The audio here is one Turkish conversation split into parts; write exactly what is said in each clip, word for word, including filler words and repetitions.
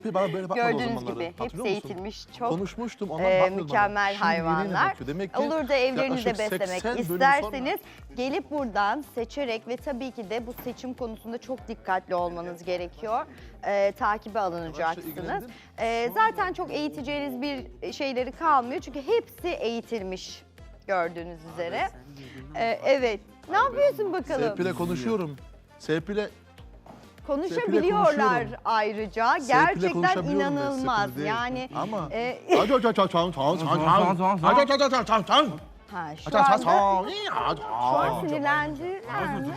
Bana böyle bakmadı o Gördüğünüz zamanları. gibi hepsi Hatırlıyor musun? eğitimmiş. Çok Konuşmuştum, onlar e, bakmıyordu mükemmel bana. Şimdi yeni hayvanlar. bakıyor. Demek ki Olur da evlerinizde yaklaşık beslemek seksen bölüm isterseniz sonra- gelip buradan seçerek ve tabii ki de bu seçim konusunda çok dikkatli olmanız gerekiyor. E, takibe alınacaksınız. ilgilendin? E, zaten çok eğiteceğiniz bir şeyleri kalmıyor çünkü hepsi eğitilmiş gördüğünüz üzere. E, evet. Ne yapıyorsun bakalım? Serpil'le konuşuyorum. Serpil'le Konuşabiliyorlar konuşuyorum. ayrıca. Serpil'le Gerçekten konuşabiliyorum ben, inanılmaz. Serpil değil. Yani Ama e, Ha, şu an, şu an sinirlendiler mi?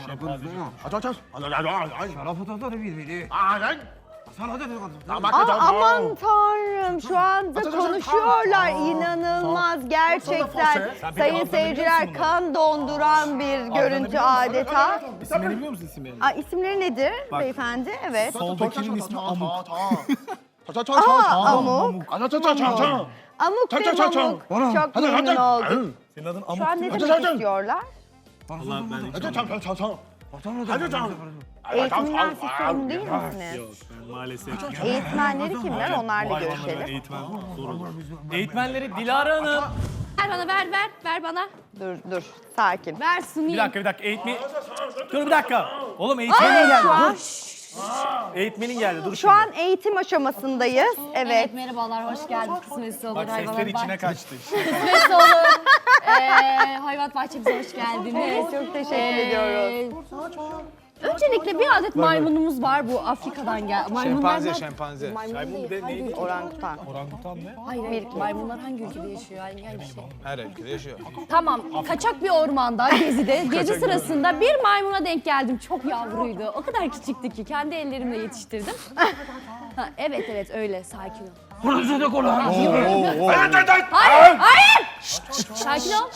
Aa, aman tanrım şu anda konuşuyorlar inanılmaz gerçekten sayın seyirciler kan donduran bir görüntü adeta. İsimlerini biliyor musun isimlerini? Aa, isimleri nedir beyefendi? Evet. Soldakinin ismi Amuk. Aa, Amuk. Amuk ve Mamuk. Çok memnun oldum. Senin adın Şu Amuk an değil ne mi? demek istiyorlar? Allah ben hiç Eğitiminden siz sorumlu değil misiniz? Yok ben maalesef. Eğitmenleri kimler? Onlarla Bu hayvanlara görüşelim. eğitmen zor olur. Eğitmenleri Dilara Hanım. Ver bana ver ver ver bana. Dur dur sakin. Ver Bir sunayım. dakika bir dakika eğitmen. Dur bir dakika. Oğlum eğitmenin Evet geldi. şu an, Eğitmenin geldi dur şu şimdi. an eğitim aşamasındayız. Evet. Evet merhabalar hoş geldiniz. Kısmetse olur Bak sesler hayvanat içine bahçesi. kaçtı. Kısmetse olur. Ee, hayvanat bahçemize hoş geldiniz. Çok teşekkür Ee, ediyoruz. Öncelikle bir adet maymunumuz var bu Afrika'dan gel. Maymunlar Şempanze, da- şempanze. Maymun Maymun değil, de hangi neydi? ülke? Orangutan. Orangutan ne? Hayır, hayır. Maymunlar hangi ülkede yaşıyor? Hangi, hangi şey? Her ülkede yaşıyor. Tamam, kaçak bir ormanda, gezide, gezi sırasında bir maymuna denk geldim. Çok yavruydu. O kadar küçüktü ki kendi ellerimle yetiştirdim. Ha, evet evet öyle, sakin ol. Hayır, hayır! Şşt, şşt, sakin ol.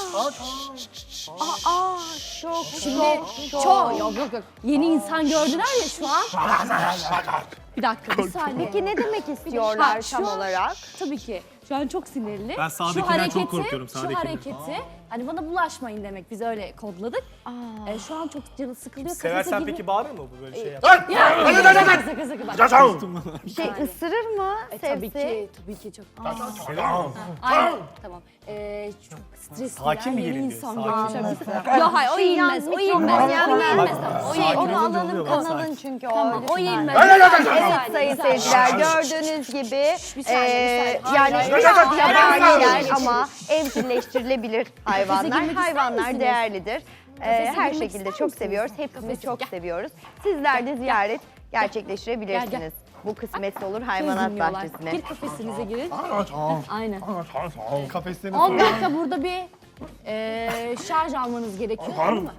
Aa çok Şimdi çok, yok yok yok. Yeni insan gördüler ya şu an. Bir dakika, bir saniye. Peki ne demek istiyorlar Ha, şu tam an- olarak? Tabii ki. Şu an çok sinirli. Ben sağdakinden çok korkuyorum, Şu sağdakinden. hareketi, hani bana bulaşmayın demek. Biz öyle kodladık. Ee, şu an çok canı sıkılıyor. kafese Seversen girme- peki bağırır mı bu böyle şey yap? Ya, sakın sakın sakın bak. Şey ısırır mı E, tabii Sevsi? ki, tabii ki çok. Aynen, tamam. Ee, çok stresli Sakin ya, mi yeni gelin diyor, insan sakin. görmüşler. Yok hayır, o Şey, yenmez, yalnız o yenmez, mikrofon o yenmez. yenmez. Tamam, o Şey, yenmez. onu alalım oluyor, kanalın çünkü o. Tamam, o lütfen. yenmez. Evet sayın seyirciler gördüğünüz gibi bir saniye, eee, bir saniye. yani Hayır, biraz hayır, hayır, hayır, yabaniler hayır. ama evcilleştirilebilir hayvanlar. girmek ister Hayvanlar misiniz? değerlidir. Eee, Kafese her girmek şekilde ister çok misiniz? seviyoruz. Hepsini Kafese, çok gel. seviyoruz. Sizler de ziyaret gerçekleştirebilirsiniz. Bu kısmetse olur hayvanat Dinliyorlar. bahçesine. Gir kafesinize girin. Aynen. Kafeslerini on dakika burada bir eee şarj almanız gerekiyor. Tamam mı?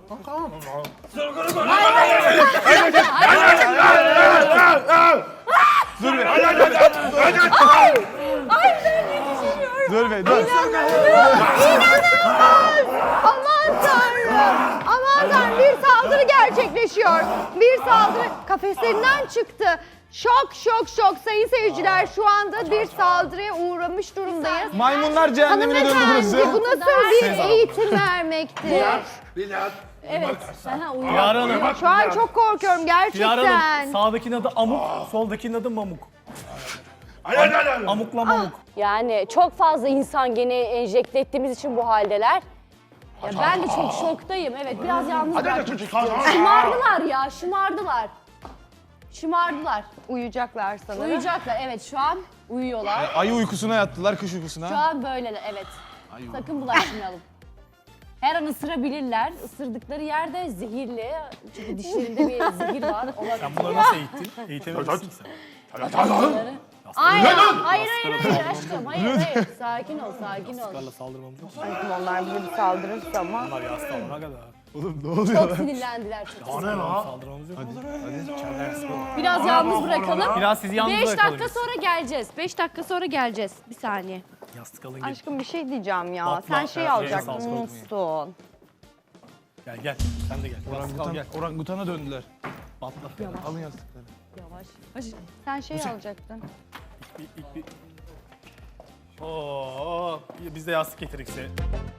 Dur be, dur. Aman tanrım! Aman tanrım bir saldırı gerçekleşiyor. Bir saldırı kafeslerinden çıktı. Şok şok şok sayın seyirciler şu anda bir saldırıya uğramış durumdayız. Maymunlar cehennemine döndü burası. Hanımefendi bu nasıl bir eğitim vermektir? Evet. Aha, uyuyor. Dilara Hanım. Şu an çok korkuyorum Dilara gerçekten. Hanım. Sağdakinin adı Amuk, soldakinin adı Mamuk. Amukla Mamuk. Yani çok fazla insan gene enjekte ettiğimiz için bu haldeler. Ya ben de çok şoktayım. Evet biraz yalnız bırakmak istiyorum. Şımardılar ya, şımardılar. Şımardılar. Uyuyacaklar sanırım. Uyuyacaklar. Evet şu an uyuyorlar. Ayı uykusuna yattılar, kış Şu uykusuna. an böyleler. Evet. Sakın bulaşmayalım. Her an ısırabilirler. Isırdıkları yerde zehirli. Çünkü dişlerinde bir zehir var. Olabilir. Sen bunları nasıl eğittin? Eğitemezsin sen. Aynen. Hayır hayır hayır aşkım. Hayır hayır. Sakin ol, sakin ol. Bunlarla saldırmamız yok. Onlar bize bir saldırırsa ama. Bunlar ya hasta olana kadar. Çok sinirlendiler. Çok sinirlendiler. Saldırmamız yok. Biraz yalnız bırakalım. Biraz sizi yalnız Beş bırakalım dakika biz. sonra geleceğiz. Beş dakika sonra geleceğiz. Bir saniye. Yastık alın gel. Aşkım bir şey diyeceğim ya. Bakma, Sen şey evet, alacaktın, sağ ol, unutsun. Gel gel. Sen de gel. Orangutan, gel. orangutana döndüler. Patla. Alın yastıkları. Yavaş. Sen şey alacaktın. İlk, ilk bir... Oo, biz de yastık getirdik size.